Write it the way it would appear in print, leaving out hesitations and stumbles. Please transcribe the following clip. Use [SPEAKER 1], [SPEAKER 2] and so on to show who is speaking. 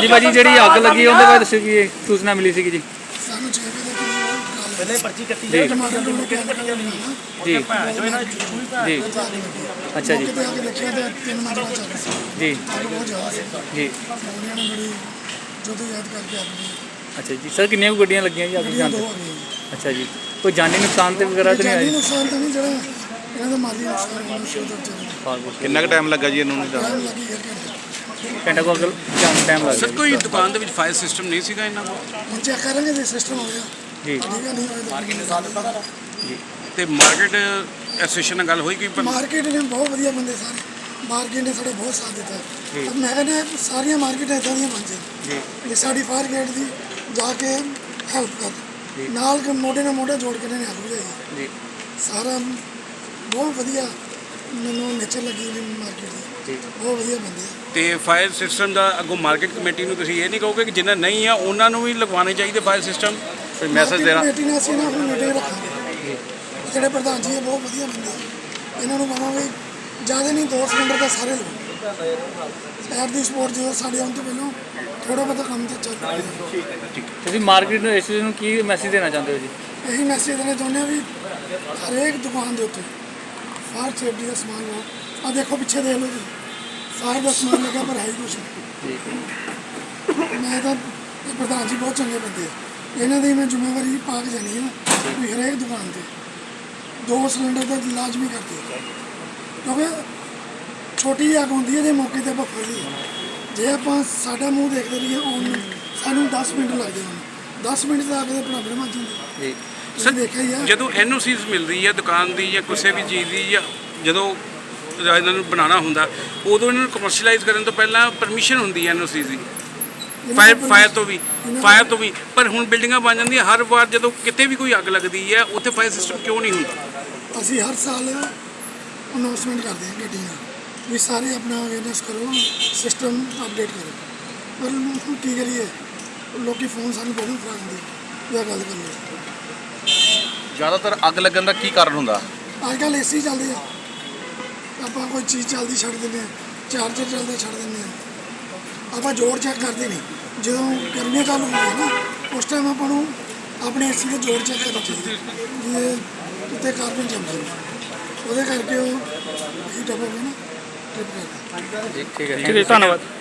[SPEAKER 1] ਜੀ ਭਾਜੀ ਜਿਹੜੀ ਅੱਗ ਲੱਗੀ ਉਹਦੇ ਬਾਰੇ ਦੱਸੋ ਕੀ ਸੂਚਨਾ ਮਿਲੀ ਸੀ ਜੀ।
[SPEAKER 2] ਸਾਨੂੰ 6 ਵਜੇ ਦੇ ਕਰੀਬ
[SPEAKER 3] ਪਹਿਲੇ ਪਰਚੀ ਕੱਟੀ
[SPEAKER 1] ਜੀ
[SPEAKER 2] ਟਮਾਟਰ ਟੋੜ ਕੇ
[SPEAKER 1] ਜੀ
[SPEAKER 3] ਜੋ ਇਹਨਾਂ ਦੀ
[SPEAKER 1] ਜੀ ਅੱਛਾ ਜੀ
[SPEAKER 2] ਕਿਤੇ ਆ ਕੇ ਦੇਖਿਆ ਤੇ 3 ਮਿੰਟ ਬਾਅਦ ਚੱਲ ਸੀ
[SPEAKER 1] ਜੀ
[SPEAKER 2] ਅੱਗ ਬਹੁਤ ਜ਼ਿਆਦਾ ਸੀ
[SPEAKER 1] ਜੀ
[SPEAKER 2] ਉਹਨਾਂ ਨੇ ਬੜੀ ਜਦੋਂ ਯਾਦ ਕਰਕੇ ਆ ਗਈ
[SPEAKER 1] ਅੱਛਾ ਜੀ ਸਰ ਕਿੰਨੀਆਂ ਕੁ ਗੱਡੀਆਂ ਲੱਗੀਆਂ ਜੀ ਅੱਗ
[SPEAKER 2] ਗੱਡੀਆਂ
[SPEAKER 1] ਬੁਝਾਉਣ
[SPEAKER 2] ਦੋ
[SPEAKER 1] ਤੇ?
[SPEAKER 2] ਆ ਗਈਆਂ
[SPEAKER 1] ਅੱਛਾ ਜੀ ਕੋਈ ਜਾਨੀ ਨੁਕਸਾਨ ਤੇ ਵਗੈਰਾ ਤਾਂ ਨਹੀਂ
[SPEAKER 2] ਜਾਨੀ
[SPEAKER 1] ਆਇਆ
[SPEAKER 2] ਨੁਕਸਾਨ ਤਾਂ ਨਹੀਂ ਜਿਹੜਾ ਇਹਨਾਂ ਦਾ ਮਾਲੀ ਨੁਕਸਾਨ ਹੋਣਾ ਸ਼ੁਰੂ ਹੋ ਚੱਲਿਆ
[SPEAKER 4] ਕਿੰਨਾ ਕੁ ਟਾਈਮ ਲੱਗਾ ਜੀ ਇਹਨੂੰ
[SPEAKER 2] ਟਾਈਮ ਲੱਗੀ ਗਿਆ
[SPEAKER 1] ਘੰਟਾ ਕੋ ਅੱਗ ਟਾਈਮ ਲੱਗ
[SPEAKER 5] ਸਰ
[SPEAKER 1] ਗਿਆ
[SPEAKER 5] ਕੋਈ ਦੁਕਾਨ ਦੇ ਵਿੱਚ ਫਾਇਰ ਸਿਸਟਮ ਨਹੀਂ ਸੀਗਾ ਇਹਨਾਂ ਕੋਲ
[SPEAKER 2] ਹੁਣ ਚੈੱਕ ਕਰਾਂਗੇ ਜੇ ਸਿਸਟਮ ਹੋ ਗਿਆ
[SPEAKER 1] ਜੀ
[SPEAKER 2] ਠੀਕ ਹੈ ਨਹੀਂ ਹੋਇਆ
[SPEAKER 1] ਜੀ
[SPEAKER 5] ਤੇ ਮਾਰਕੀਟ ਐਸੋਸੀਏਸ਼ਨ ਨਾਲ ਗੱਲ ਹੋਈ ਕਿ
[SPEAKER 2] ਮਾਰਕੀਟ ਨੇ ਬਹੁਤ ਵਧੀਆ ਬੰਦੇ ਸਾਰੇ ਮਾਰਕੀਟ ਨੇ ਸਾਡਾ ਬਹੁਤ ਸਾਥ ਦਿੱਤਾ ਪਰ ਮੈਂ ਕਹਿੰਦਾ ਸਾਰੀਆਂ ਮਾਰਕੀਟਾਂ ਇੱਦਾਂ ਦੀਆਂ ਬਣ ਜਾਣ
[SPEAKER 1] ਜੀ
[SPEAKER 2] ਵੀ ਸਾਡੀ ਫਾਇਰ ਗੇਟ ਦੀ ਜਾ ਕੇ ਹੈਲਪ ਕਰ ਨਾਲ ਮੋਢੇ ਨਾਲ ਮੋਢਾ ਜੋੜ ਕੇ ਇਹਨਾਂ ਨੇ ਅੱਗ ਬੁਝਾਈ
[SPEAKER 1] ਜੀ
[SPEAKER 2] ਸਾਰਾ ਬਹੁਤ ਵਧੀਆ ਮੈਨੂੰ ਨੇਚਰ ਲੱਗੀ ਨੇ ਮਾਰਕੀਟ ਦੀ
[SPEAKER 1] ਜੀ
[SPEAKER 2] ਬਹੁਤ ਵਧੀਆ ਬੰਦੇ ਆ।
[SPEAKER 5] ਤੇ ਫਾਇਰ ਸਿਸਟਮ ਦਾ ਅੱਗੋਂ ਮਾਰਕੀਟ ਕਮੇਟੀ ਨੂੰ ਤੁਸੀਂ ਇਹ ਨਹੀਂ ਕਹੋਗੇ ਕਿ ਜਿਨ੍ਹਾਂ ਨਹੀਂ ਆ ਉਹਨਾਂ ਨੂੰ ਵੀ ਲਗਵਾਉਣੇ ਚਾਹੀਦੇ ਫਾਇਰ ਸਿਸਟਮ ਕੋਈ ਮੈਸੇਜ ਦੇਣਾ
[SPEAKER 2] ਮਾਰਕੀਟ ਕਮੇਟੀ ਨਾਲ ਅਸੀਂ ਨਾ ਆਪਣੀ ਮੀਟਿੰਗ ਰੱਖਾਂਗੇ ਜਿਹੜੇ ਪ੍ਰਧਾਨ ਜੀ ਇਹ ਬਹੁਤ ਵਧੀਆ ਬੰਦੇ ਆ। ਇਹਨਾਂ ਨੂੰ ਕਹਾਂਗੇ ਜ਼ਿਆਦਾ ਨਹੀਂ 2 ਸਿਲੰਡਰ ਤਾਂ ਸਾਰੇ ਲਓ ਸ਼ਹਿਰ ਦੀ ਸਪੋਰਟ ਜਦੋਂ ਸਾਡੇ ਆਉਣ ਤੋਂ ਪਹਿਲਾਂ ਥੋੜਾ ਬਹੁਤਾ ਕੰਮ ਤਾਂ ਚੱਲ ਰਿਹਾ
[SPEAKER 1] ਤੁਸੀਂ ਮਾਰਕੀਟ ਨੂੰ ਇਸ ਚੀਜ਼ ਨੂੰ ਕੀ ਮੈਸੇਜ ਦੇਣਾ ਚਾਹੁੰਦੇ ਹੋ ਜੀ?
[SPEAKER 2] ਇਹੀ ਮੈਸੇਜ ਦੇਣਾ ਚਾਹੁੰਦੇ ਹਾਂ ਵੀ ਹਰੇਕ ਦੁਕਾਨ ਦੇ ਉੱਤੇ ਫਾਇਰ ਸੇਫਟੀ ਦਾ ਸਮਾਨ ਲਓ ਆ ਦੇਖੋ ਪਿੱਛੇ ਦੇਖ ਲਓ ਜੀ ਫਾਇਰ ਦਾ ਸਮਾਨ ਲੱਗਾ ਪਰ ਹੈ ਹੀ ਕੁਛ ਨਹੀਂ।
[SPEAKER 1] ਜੀ
[SPEAKER 2] ਮੈਂ ਤਾਂ ਇਹ ਪ੍ਰਧਾਨ ਜੀ ਬਹੁਤ ਚੰਗੇ ਬੰਦੇ ਆ ਇਹਨਾਂ ਦੀ ਮੈਂ ਜ਼ਿੰਮੇਵਾਰੀ ਪਾ ਕੇ ਜਾਣੀ ਹੈ ਵੀ ਹਰੇਕ ਦੁਕਾਨ ਤੇ 2 ਸਿਲੰਡਰ ਦਾ ਲਾਜ਼ਮੀ ਕਰਦੇ ਕਿਉਂਕਿ ਛੋਟੀ ਅੱਗ ਹੁੰਦੀ ਹੈ ਜੇ ਮੌਕੇ ਤੇ ਆਪਾਂ ਫੜ ਲਈਏ ਜੇ ਆਪਾਂ ਸਾਡਾ ਮੂੰਹ ਦੇਖਦੇ ਰਹੀਏ ਆਉਣ ਨੂੰ ਸਾਨੂੰ 10 ਮਿੰਟ ਲੱਗਦੇ ਹਨ 10 ਮਿੰਟ ਦਾ ਅੱਗ ਦੇ ਬਰਾਬਰ ਮੱਚ ਜਾਂਦੇ
[SPEAKER 1] ਜੀ
[SPEAKER 2] ਤੁਸੀਂ ਦੇਖਿਆ ਹੀ ਆ
[SPEAKER 5] ਜਦੋਂ ਐਨਓਸੀਜ਼ ਮਿਲਦੀ ਹੈ ਦੁਕਾਨ ਦੀ ਜਾਂ ਕਿਸੇ ਵੀ ਚੀਜ਼ ਦੀ ਜਾਂ ਜਦੋਂ ਇਹਨਾਂ ਨੂੰ ਬਣਾਉਣਾ ਹੁੰਦਾ ਉਦੋਂ ਇਹਨਾਂ ਨੂੰ ਕਮਰਸ਼ੀਅਲਾਈਜ਼ ਕਰਨ ਤੋਂ ਪਹਿਲਾਂ ਪਰਮਿਸ਼ਨ ਹੁੰਦੀ ਹੈ ਐਨਓਸੀਜ਼ ਦੀ ਫਾਇਰ ਤੋਂ ਵੀ ਪਰ ਹੁਣ ਬਿਲਡਿੰਗਾਂ ਬਣ ਜਾਂਦੀਆਂ ਹਰ ਵਾਰ ਜਦੋਂ ਕਿਤੇ ਵੀ ਕੋਈ ਅੱਗ ਲੱਗਦੀ ਹੈ ਉੱਥੇ ਫਾਇਰ ਸਿਸਟਮ ਕਿਉਂ ਨਹੀਂ ਹੁੰਦਾ?
[SPEAKER 2] ਅਸੀਂ ਹਰ ਸਾਲ ਅਨਾਉਂਸਮੈਂਟ ਕਰਦੇ ਹਾਂ ਗੱਡੀਆਂ ਵੀ ਸਾਰੇ ਆਪਣਾ ਅਵੇਅਰਨੈਸ ਕਰੋ ਸਿਸਟਮ ਅਪਡੇਟ ਕਰੋ ਪਰ ਹੁਣ ਕੀ ਕਰੀਏ ਲੋਕੀ ਫੋਨ ਸਾਨੂੰ ਬਹੁਤ ਫੜਾ ਦਿੰਦੇ ਜਾਂ ਗੱਲ ਕਰ ਲਓ
[SPEAKER 4] ਜ਼ਿਆਦਾਤਰ ਅੱਗ ਲੱਗਣ ਦਾ ਕੀ ਕਾਰਨ ਹੁੰਦਾ?
[SPEAKER 2] ਅੱਜ ਕੱਲ੍ਹ ਏਸੀ ਚੱਲਦੇ ਆ ਆਪਾਂ ਕੋਈ ਚੀਜ਼ ਚੱਲਦੀ ਛੱਡ ਦਿੰਦੇ ਹਾਂ ਚਾਰਜਰ ਚੱਲਦਾ ਛੱਡ ਦਿੰਦੇ ਹਾਂ ਆਪਾਂ ਜੋੜ ਚੈੱਕ ਕਰਦੇ ਨਹੀਂ ਜਦੋਂ ਗਰਮੀਆਂ ਚਾਲੂ ਹੁੰਦੀਆਂ ਨਾ ਉਸ ਟਾਈਮ ਆਪਾਂ ਨੂੰ ਆਪਣੇ ਏਸੀ ਦੇ ਜੋੜ ਚੈੱਕ ਕਰਨਾ ਚਾਹੀਦਾ ਵੀ ਇਹ ਉੱਤੇ ਕਾਰਬਨ ਜੰਮ ਜਾਂਦਾ ਉਹਦੇ ਕਰਕੇ ਉਹ ਹੀਟ ਅਪ ਹੋ ਗਿਆ ਨਾ ਟ੍ਰਿਪ ਕਰਦਾ
[SPEAKER 1] ਜੀ ਠੀਕ ਹੈ
[SPEAKER 3] ਠੀਕ ਹੈ ਧੰਨਵਾਦ।